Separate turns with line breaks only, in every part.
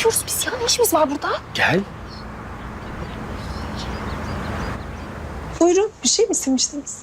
konuşuyoruz biz ya. Ne işimiz var burada?
Gel.
Buyurun, bir şey mi istemiştiniz?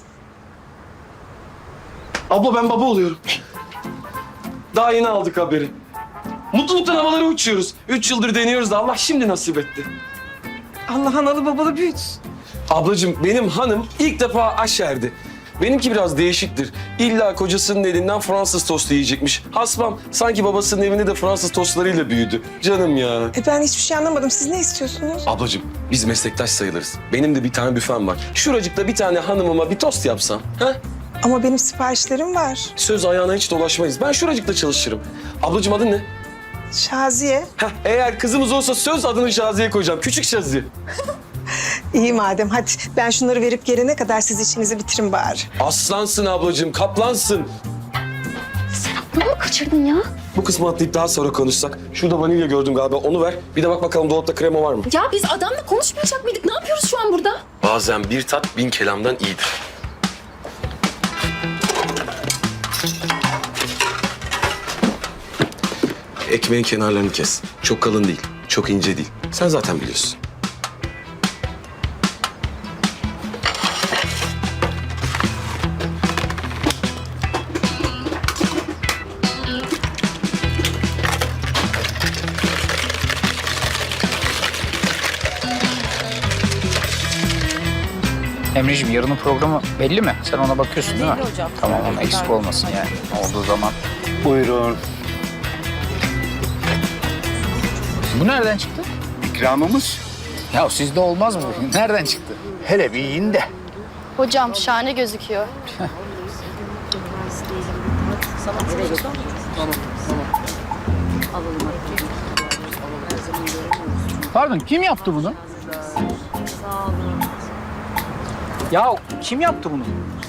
Abla ben baba oluyorum. Daha yeni aldık haberi. Mutluluktan havalara uçuyoruz. 3 yıldır deniyoruz da Allah şimdi nasip etti.
Allah analı babalı büyütsün.
Ablacığım benim hanım ilk defa aşerdi. Benimki biraz değişiktir. İlla kocasının elinden Fransız tostu yiyecekmiş. Hasbam sanki babasının evinde de Fransız tostlarıyla büyüdü. Canım ya.
Ben hiçbir şey anlamadım. Siz ne istiyorsunuz?
Ablacığım biz meslektaş sayılırız. Benim de bir tane büfem var. Şuracıkta bir tane hanımıma bir tost yapsam. Ha?
Ama benim siparişlerim var.
Söz ayağına hiç dolaşmayız. Ben şuracıkta çalışırım. Ablacığım adın ne?
Şaziye.
Heh, eğer kızımız olsa söz adını Şaziye koyacağım. Küçük Şaziye.
İyi madem, hadi. Ben şunları verip gelene kadar siz işinizi bitirin bari.
Aslansın ablacığım, kaplansın.
Ne mi kaçırdın ya?
Bu kısmı atlayıp daha sonra konuşsak. Şurada vanilya gördüm galiba, onu ver. Bir de bak bakalım dolapta krema var mı?
Ya biz adamla konuşmayacak mıydık? Ne yapıyoruz şu an burada?
Bazen bir tat 1000 kelamdan iyidir. Ekmeğin kenarlarını kes. Çok kalın değil, çok ince değil. Sen zaten biliyorsun.
Emre'ciğim yarının programı belli mi? Sen ona bakıyorsun değil mi?
Hocam.
Tamam ama eksik olmasın yani. Olduğu zaman.
Buyurun.
Bu nereden çıktı?
İkramımız.
Ya sizde olmaz mı? Nereden çıktı?
Hele bir yiyin de.
Hocam şahane gözüküyor.
Pardon kim yaptı bunu? Ya kim yaptı bunu?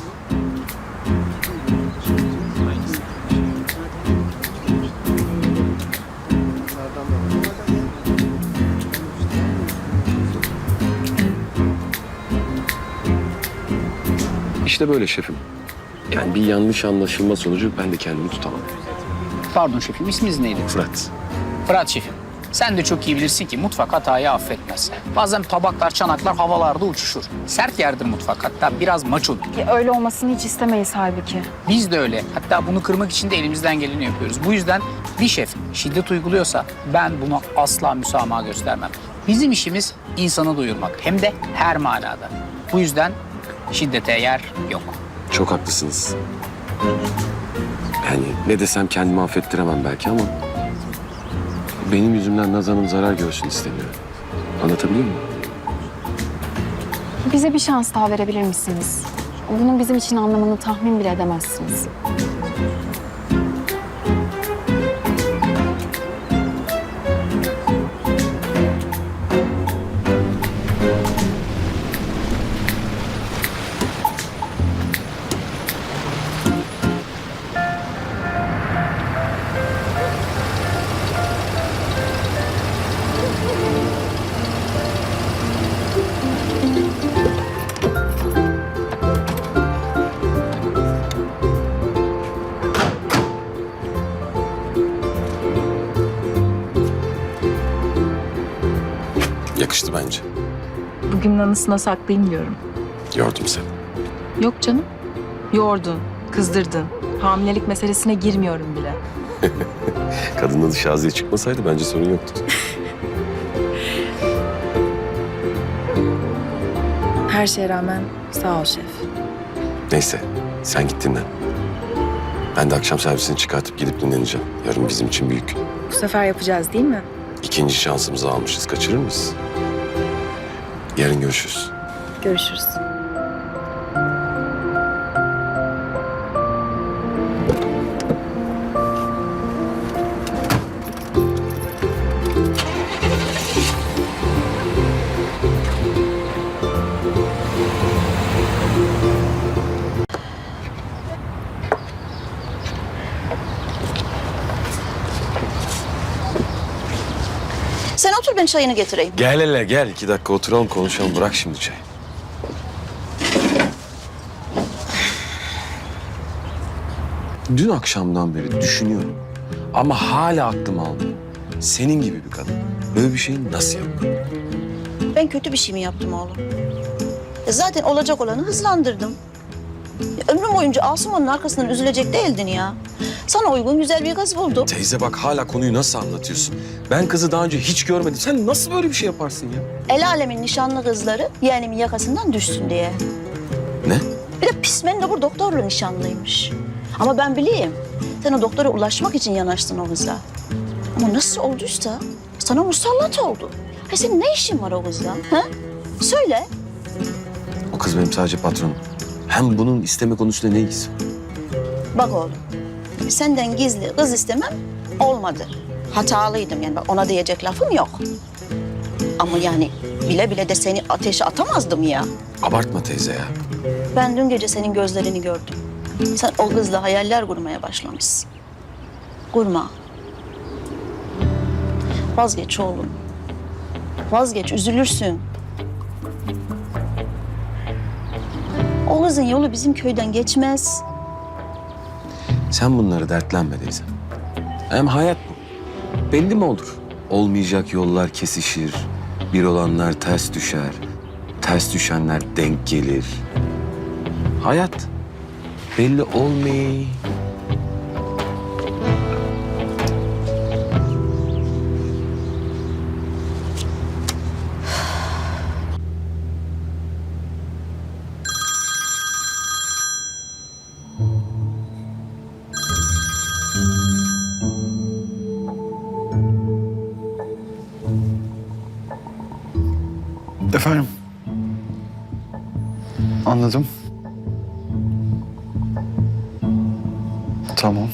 İşte böyle şefim. Yani bir yanlış anlaşılma sonucu ben de kendimi tutamam.
Pardon şefim isminiz neydi?
Fırat.
Fırat şefim. Sen de çok iyi bilirsin ki mutfak hatayı affetmez. Bazen tabaklar, çanaklar havalarda uçuşur. Sert yerdir mutfak, hatta biraz maçodur.
Öyle olmasını hiç istemeyiz halbuki.
Biz de öyle. Hatta bunu kırmak için de elimizden geleni yapıyoruz. Bu yüzden bir şef şiddet uyguluyorsa ben buna asla müsamaha göstermem. Bizim işimiz insanı doyurmak. Hem de her manada. Bu yüzden şiddete yer yok.
Çok haklısınız. Yani ne desem kendimi affettiremem belki ama... benim yüzümden Nazan'ın zarar görsün istemiyorum. Anlatabiliyor muyum?
Bize bir şans daha verebilir misiniz? Bunun bizim için anlamını tahmin bile edemezsiniz.
Yakıştı bence.
Bugünün anısına saklayayım diyorum.
Yordum seni.
Yok canım. Yordun, kızdırdın. Hamilelik meselesine girmiyorum bile.
Kadının adı Şaziye çıkmasaydı bence sorun yoktu.
Her şeye rağmen sağ ol şef.
Neyse sen git dinlen. Ben de akşam servisini çıkartıp gidip dinleneceğim. Yarın bizim için büyük gün.
Bu sefer yapacağız değil mi?
İkinci şansımızı almışız. Kaçırır mıyız? Yarın görüşürüz.
Görüşürüz.
Sen otur ben çayını getireyim.
Gel hele gel. 2 dakika oturalım konuşalım. Bırak şimdi çayı. Dün akşamdan beri düşünüyorum. Ama hala aklım almıyor. senin gibi bir kadın böyle bir şeyi nasıl yapar?
Ben kötü bir şey mi yaptım oğlum? Zaten olacak olanı hızlandırdım. Ömrüm boyunca Asuman'ın arkasından üzülecek değildin ya. Sana uygun güzel bir kız buldum.
Teyze bak hala konuyu nasıl anlatıyorsun? Ben kızı daha önce hiç görmedim. Sen nasıl böyle bir şey yaparsın ya?
El alemin nişanlı kızları yeğenimin yakasından düşsün diye.
Ne?
Bir de pis mendebur doktorla nişanlıymış. Ama ben bileyim. Sen o doktora ulaşmak için yanaştın o kıza. Ama nasıl olduysa sana musallat oldu. Ha senin ne işin var o kızla? Ha? Söyle.
O kız benim sadece patronum. Hem bunun isteme konusunda ne ilgisi var?
Bak oğlum. Senden gizli kız istemem olmadı. Hatalıydım yani. Bak ona diyecek lafım yok. Ama yani bile bile de seni ateşe atamazdım ya.
Abartma teyze ya.
Ben dün gece senin gözlerini gördüm. Sen o kızla hayaller kurmaya başlamışsın. Kurma. Vazgeç oğlum. Vazgeç, üzülürsün. O kızın yolu bizim köyden geçmez.
Sen bunları dertlenme teyze. Hem hayat bu. Belli mi olur? Olmayacak yollar kesişir. Bir olanlar ters düşer. Ters düşenler denk gelir. Hayat belli olmuyor.
Efendim? Anladım. Tamam.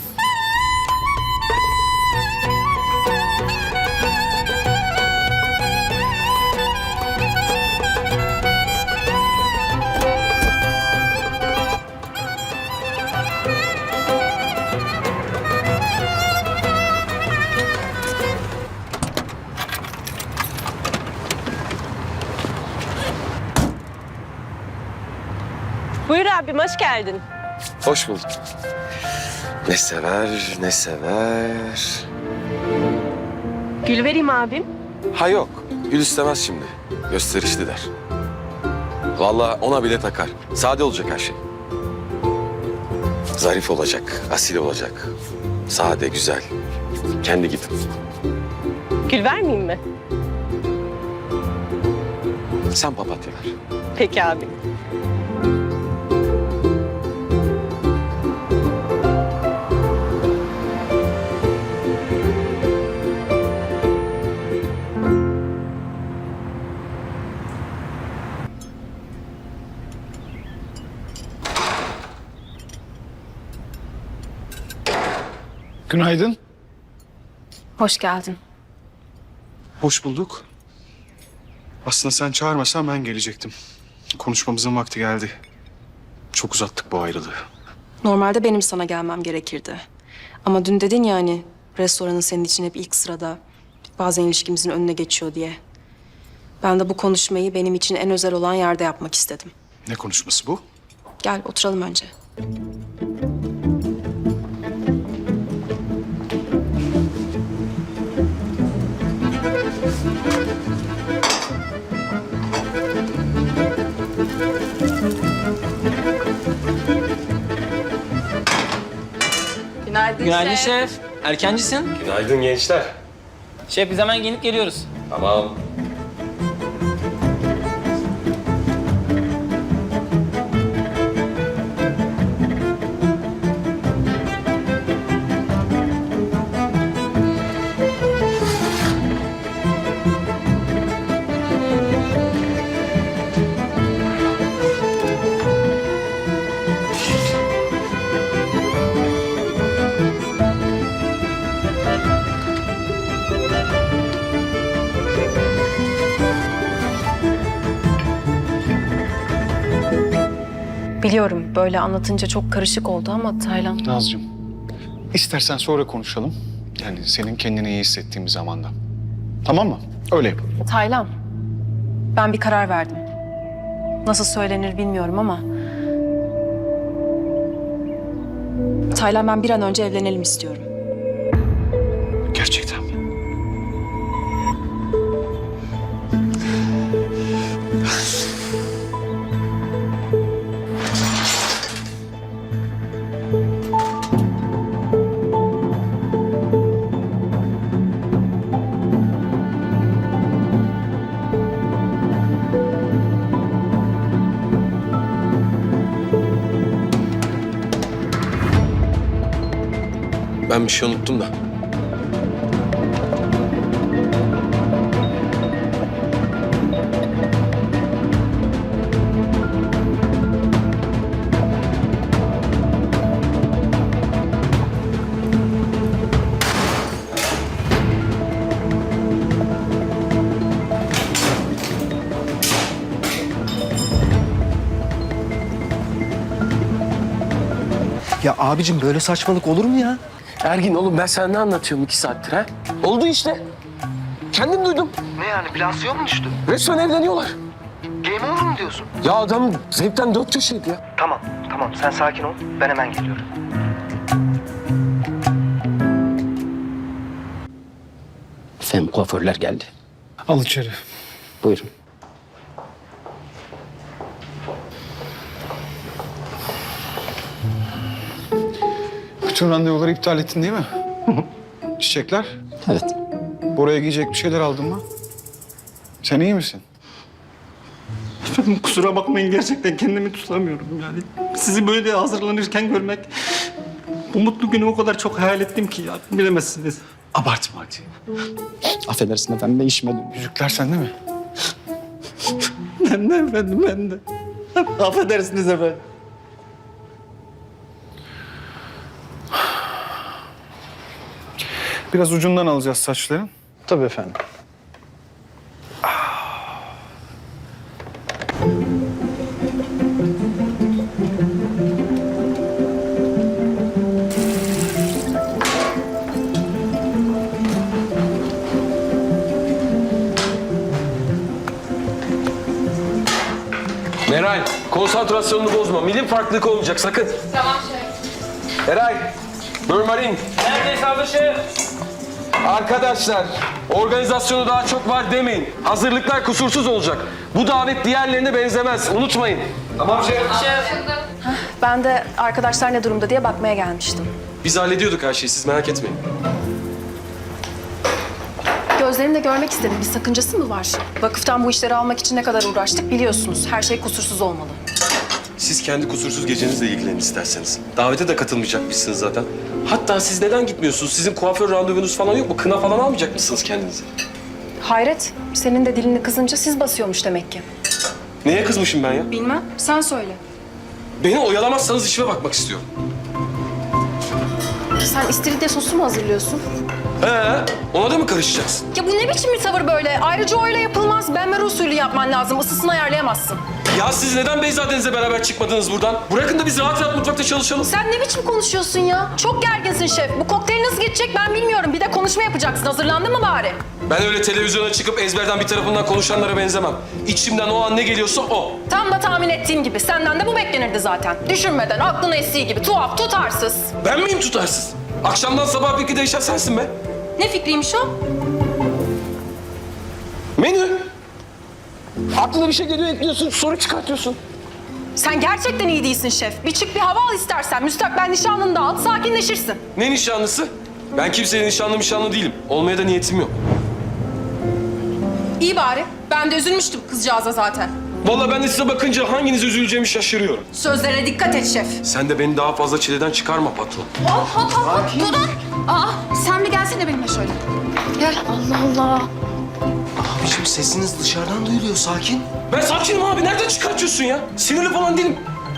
Buyur abim, hoş geldin.
Hoş bulduk. Ne sever, ne sever.
Gül vereyim abim.
Ha yok, gül istemez şimdi. Gösterişli der. Vallahi ona bile takar. Sade olacak her şey. Zarif olacak, asil olacak. Sade, güzel. Kendi gibi.
Gül vermeyeyim mi?
Sen papatya ver.
Peki abi.
Günaydın.
Hoş geldin.
Hoş bulduk. Aslında sen çağırmasan ben gelecektim. Konuşmamızın vakti geldi. Çok uzattık bu ayrılığı.
Normalde benim sana gelmem gerekirdi. Ama dün dedin ya hani restoranın senin için hep ilk sırada. Bazen ilişkimizin önüne geçiyor diye. Ben de bu konuşmayı benim için en özel olan yerde yapmak istedim.
Ne konuşması bu?
Gel oturalım önce.
Günaydın şef. Erkencisin.
Günaydın gençler.
Şef biz hemen giyinip geliyoruz.
Tamam.
Biliyorum böyle anlatınca çok karışık oldu ama Taylan...
Nazcığım, istersen sonra konuşalım. Yani senin kendini iyi hissettiğin bir zamanda. Tamam mı? Öyle yapalım.
Taylan, ben bir karar verdim. Nasıl söylenir bilmiyorum ama... Taylan ben bir an önce evlenelim istiyorum.
Gerçekten mi?
Ben bir şey unuttum da.
Ya abicim böyle saçmalık olur mu ya?
Ergin oğlum ben sana ne anlatıyorum 2 saattir ha? Oldu işte. Kendim duydum.
Ne yani plasyon mu düştü?
Resmen evleniyorlar.
Game over mu diyorsun?
Ya adam zevkten 4 köşeydi ya.
Tamam sen sakin ol. Ben hemen geliyorum.
Efendim kuaförler geldi.
Al içeri.
Buyurun.
Bütün randevuları iptal ettin değil mi? Çiçekler?
Evet.
Bora'ya giyecek bir şeyler aldın mı? Sen iyi misin?
Efendim kusura bakmayın gerçekten kendimi tutamıyorum yani. Sizi böyle hazırlanırken görmek... Bu mutlu günü o kadar çok hayal ettim ki ya bilemezsiniz.
Abartma hadi.
Affedersin efendim ben işime dönüyorum.
Yüzükler sende mi?
Ben de efendim ben de. Affedersiniz efendim.
Biraz ucundan alacağız saçların.
Tabii efendim.
Meral, konsantrasyonunu bozma. Milim farklılık olmayacak sakın. Tamam şef. Eray, Börmarin.
Neredeyiz abi şef?
Arkadaşlar, organizasyonu daha çok var demeyin. Hazırlıklar kusursuz olacak. Bu davet diğerlerine benzemez. Unutmayın. Tamam şef.
Ben de arkadaşlar ne durumda diye bakmaya gelmiştim.
Biz hallediyorduk her şeyi. Siz merak etmeyin.
Gözlerimle görmek istedim. Bir sakıncası mı var? Vakıftan bu işleri almak için ne kadar uğraştık biliyorsunuz. Her şey kusursuz olmalı.
Siz kendi kusursuz gecenizle ilgilenin isterseniz. Davete de katılmayacakmışsınız zaten. Hatta siz neden gitmiyorsunuz? Sizin kuaför randevunuz falan yok mu? Kına falan almayacak mısınız kendinize?
Hayret, senin de dilini kızınca siz basıyormuş demek ki.
Neye kızmışım ben ya?
Bilmem, sen söyle.
Beni oyalamazsanız işime bakmak istiyorum.
Sen istiridye sosu mu hazırlıyorsun?
Ona da mı karışacaksın?
Ya bu ne biçim bir tavır böyle? Ayrıca öyle yapılmaz. Benmer usulü yapman lazım. Isısını ayarlayamazsın.
Ya siz neden Beyzadenizle beraber çıkmadınız buradan? Bırakın da biz rahat rahat mutfakta çalışalım.
Sen ne biçim konuşuyorsun ya? Çok gerginsin şef. Bu kokteyl nasıl geçecek ben bilmiyorum. Bir de konuşma yapacaksın. Hazırlandın mı bari?
Ben öyle televizyona çıkıp ezberden bir tarafından konuşanlara benzemem. İçimden o an ne geliyorsa o.
Tam da tahmin ettiğim gibi. Senden de bu beklenirdi zaten. Düşünmeden, aklına estiği gibi. Tuhaf, tutarsız.
Ben miyim tutarsız? Akşamdan sabah fikri değişen sensin be.
Ne fikriymiş o?
Menü. Aklına bir şey geliyor ekliyorsun, soru çıkartıyorsun.
Sen gerçekten iyi değilsin şef. Bir çık bir hava al istersen. Müstakbel nişanlını da al, sakinleşirsin.
Ne nişanlısı? Ben kimsenin nişanlı değilim. Olmaya da niyetim yok.
İyi bari. Ben de üzülmüştüm kızcağıza zaten.
Vallahi ben de size bakınca hanginize üzüleceğimi şaşırıyorum.
Sözlerine dikkat et şef.
Sen de beni daha fazla çileden çıkarma patron.
Hop, durun. Aa, sen bir gelsene benimle şöyle. Gel, Allah Allah.
Abicim sesiniz dışarıdan duyuluyor sakin.
Ben sakinim abi. Nereden çıkartıyorsun ya? Sinirli falan değilim.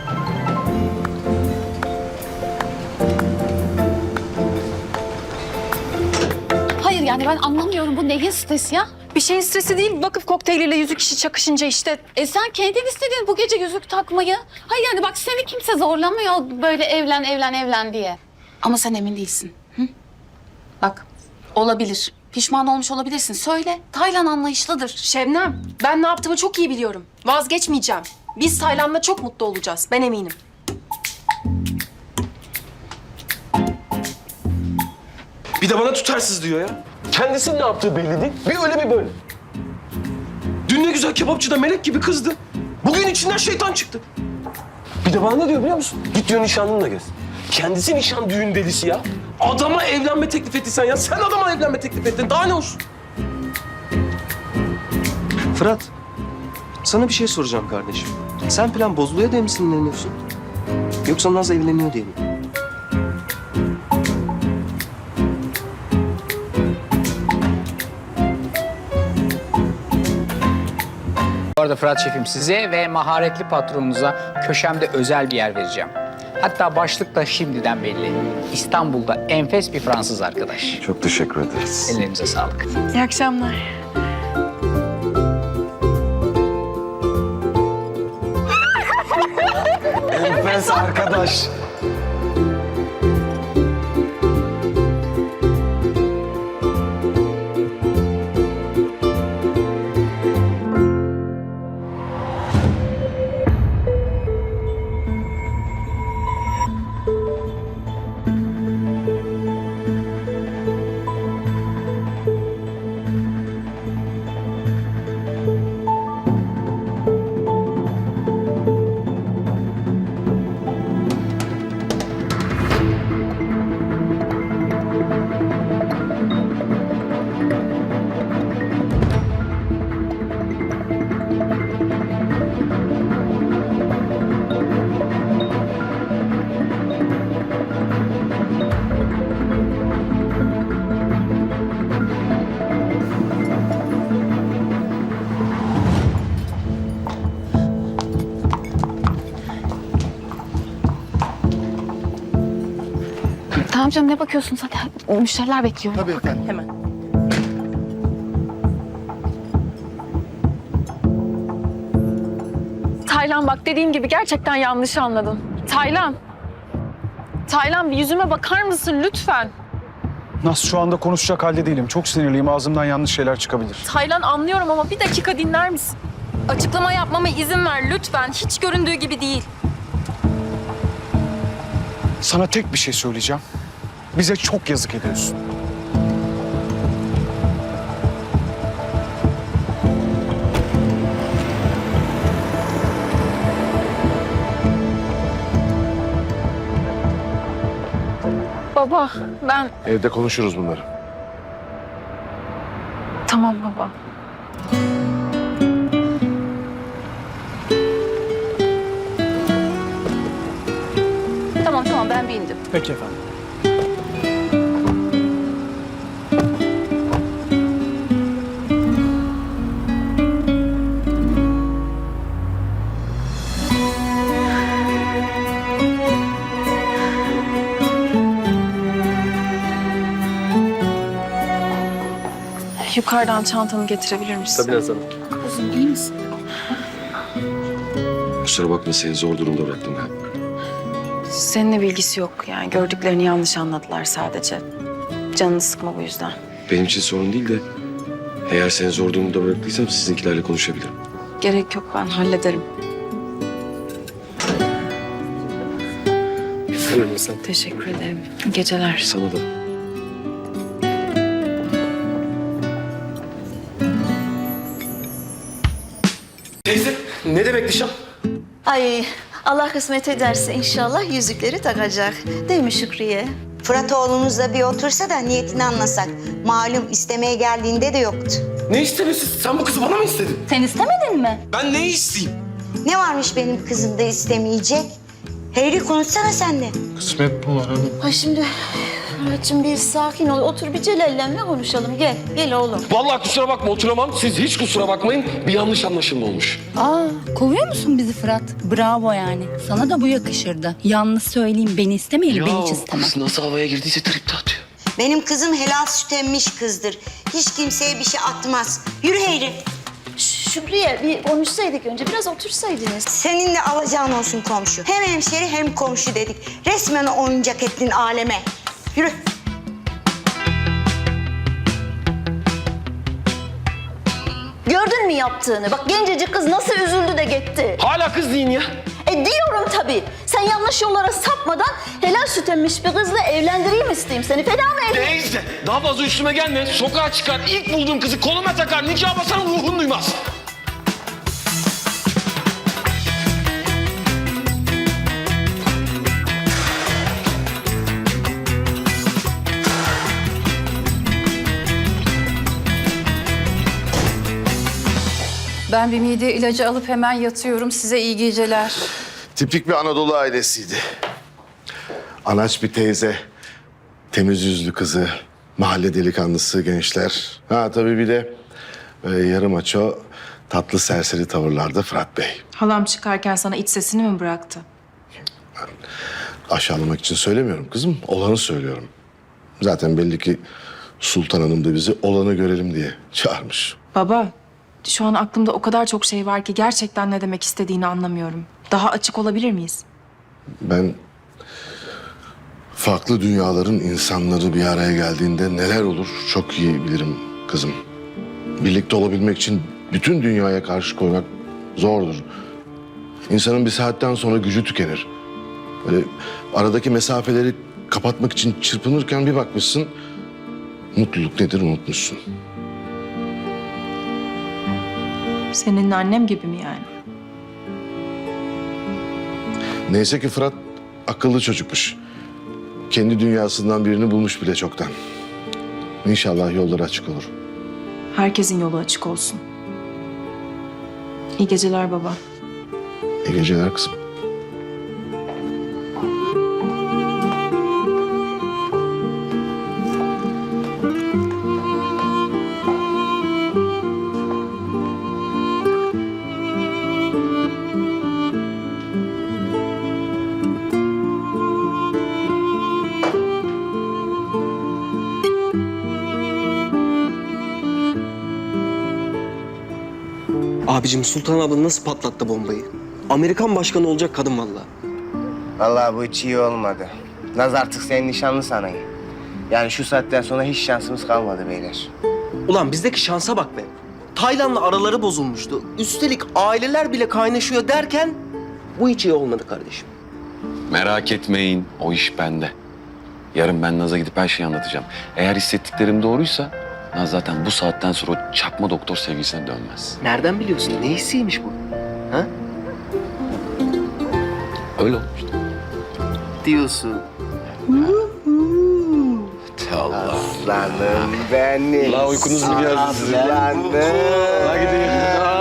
Hayır yani ben anlamıyorum. Bu neyin stresi ya?
Bir şeyin stresi değil. Vakıf kokteyliyle 100 kişi çakışınca işte.
Sen kendin istedin bu gece yüzük takmayı. Hayır yani bak seni kimse zorlamıyor böyle evlen diye. Ama sen emin değilsin. Hı? Bak olabilir. Pişman olmuş olabilirsin. Söyle. Taylan anlayışlıdır.
Şebnem, ben ne yaptığımı çok iyi biliyorum. Vazgeçmeyeceğim. Biz Taylan'la çok mutlu olacağız. Ben eminim.
Bir de bana tutarsız diyor ya. Kendisinin ne yaptığı belli değil. Bir öyle bir böyle. Dün ne güzel kebapçıda melek gibi kızdı. Bugün içinden şeytan çıktı. Bir de bana ne diyor biliyor musun? Git diyor nişanlınla gez. Kendisi nişan düğün delisi ya. Adama evlenme teklif ettin sen ya. Sen adama evlenme teklif ettin. Daha ne olsun?
Fırat, sana bir şey soracağım kardeşim. Sen plan bozuluyor diye mi sinirleniyorsun? Yoksa Naz evleniyor diye mi?
arada Fırat Şefim, size ve maharetli patronunuza köşemde özel bir yer vereceğim. Hatta başlık da şimdiden belli. İstanbul'da enfes bir Fransız arkadaş.
Çok teşekkür ederiz.
Ellerinize sağlık.
İyi akşamlar.
Enfes arkadaş.
Tamam canım, ne bakıyorsun zaten? Müşteriler bekliyor.
Tabii efendim.
Hemen.
Taylan bak, dediğim gibi gerçekten yanlış anladın. Taylan. Taylan, bir yüzüme bakar mısın lütfen?
Nasıl şu anda konuşacak halde değilim. Çok sinirliyim. Ağzımdan yanlış şeyler çıkabilir.
Taylan, anlıyorum ama bir dakika dinler misin? Açıklama yapmama izin ver lütfen. Hiç göründüğü gibi değil.
Sana tek bir şey söyleyeceğim. Bize çok yazık ediyorsun.
Baba, ben...
Evde konuşuruz bunları.
Tamam baba.
Tamam, ben bir indim.
Peki efendim.
Yukarıdan çantanı getirebilir misin?
Tabii Nazan.
Kuzum, iyi misin?
Kusura bakma, seni zor durumda bıraktım ben.
Seninle bilgisi yok. Yani gördüklerini yanlış anladılar sadece. Canını sıkma bu yüzden.
Benim için sorun değil de eğer seni zor durumda bıraktıysam sizinkilerle konuşabilirim.
Gerek yok, ben hallederim.
Hemen Nazan.
Teşekkür ederim. İyi geceler.
Sana da.
Teyze, ne demek nişan?
Ay Allah kısmet ederse inşallah yüzükleri takacak. Değil mi Şükriye?
Fırat oğlumuzla bir otursa da niyetini anlasak. Malum istemeye geldiğinde de yoktu.
Ne istemesi? Sen bu kızı bana mı istedin?
Sen istemedin mi?
Ben ne isteyeyim?
Ne varmış benim kızımda istemeyecek? Hayri konuşsana sen de.
Kısmet bu var hanım.
Ha şimdi Murat'cığım bir sakin ol. Otur bir Celal'le konuşalım. Gel, gel oğlum.
Vallahi kusura bakma, oturamam. Siz hiç kusura bakmayın. Bir yanlış anlaşılma olmuş.
Kovuyor musun bizi Fırat? Bravo yani. Sana da bu yakışırdı. Yalnız söyleyeyim, beni istemeyeli ben hiç istemem.
Kız nasıl havaya girdiyse tripte atıyor.
Benim kızım helal süt emmiş kızdır. Hiç kimseye bir şey atmaz. Yürü Hayri.
Şükriye bir konuşsaydık önce. Biraz otursaydınız.
Seninle alacağın olsun komşu. Hem hemşeri hem komşu dedik. Resmen oyuncak ettin aleme. Yürü.
Gördün mü yaptığını? Bak gencecik kız nasıl üzüldü de gitti.
Hala kız deyin ya.
Diyorum tabii. Sen yanlış yollara sapmadan helal süt emmiş bir kızla evlendireyim isteyeyim seni. Feda mı edeyim?
Neyse, daha fazla üstüme gelme. Sokağa çıkar, ilk bulduğum kızı koluma takar, nikah basar, ruhun duymaz.
Ben bir mide ilacı alıp hemen yatıyorum. Size iyi geceler.
Tipik bir Anadolu ailesiydi. Anaç bir teyze, temiz yüzlü kızı, mahalle delikanlısı gençler. Ha tabii bir de yarım aço, tatlı serseri tavırlarda Fırat Bey.
Halam çıkarken sana iç sesini mi bıraktı?
Aşağılamak için söylemiyorum kızım, olanı söylüyorum. Zaten belli ki Sultan Hanım da bizi olanı görelim diye çağırmış.
Baba, şu an aklımda o kadar çok şey var ki gerçekten ne demek istediğini anlamıyorum. Daha açık olabilir miyiz?
Ben farklı dünyaların insanları bir araya geldiğinde neler olur çok iyi bilirim kızım. Birlikte olabilmek için bütün dünyaya karşı koymak zordur. İnsanın bir saatten sonra gücü tükenir. Böyle aradaki mesafeleri kapatmak için çırpınırken bir bakmışsın, mutluluk nedir unutmuşsun.
Senin annem gibi mi yani?
Neyse ki Fırat akıllı çocukmuş. Kendi dünyasından birini bulmuş bile çoktan. İnşallah yolları açık olur.
Herkesin yolu açık olsun. İyi geceler baba.
İyi geceler kızım.
Abicim Sultan abla nasıl patlattı bombayı? Amerikan başkanı olacak kadın vallahi.
Vallahi bu hiç iyi olmadı. Naz artık senin nişanlı sanayım. Yani şu saatten sonra hiç şansımız kalmadı beyler.
Ulan bizdeki şansa bak be. Taylan'la araları bozulmuştu. Üstelik aileler bile kaynaşıyor derken bu hiç iyi olmadı kardeşim.
Merak etmeyin, o iş bende. Yarın ben Naz'a gidip her şeyi anlatacağım. Eğer hissettiklerim doğruysa Naz zaten bu saatten sonra o çakma doktor sevgisine dönmez.
Nereden biliyorsun? Ne hissiymiş bu? Ha?
Öyle olmuştu.
Diyorsun.
Allah.
Aslanım benim.
La uykunuz mu geldi sizin?
Aslanım.
Hadi gidelim.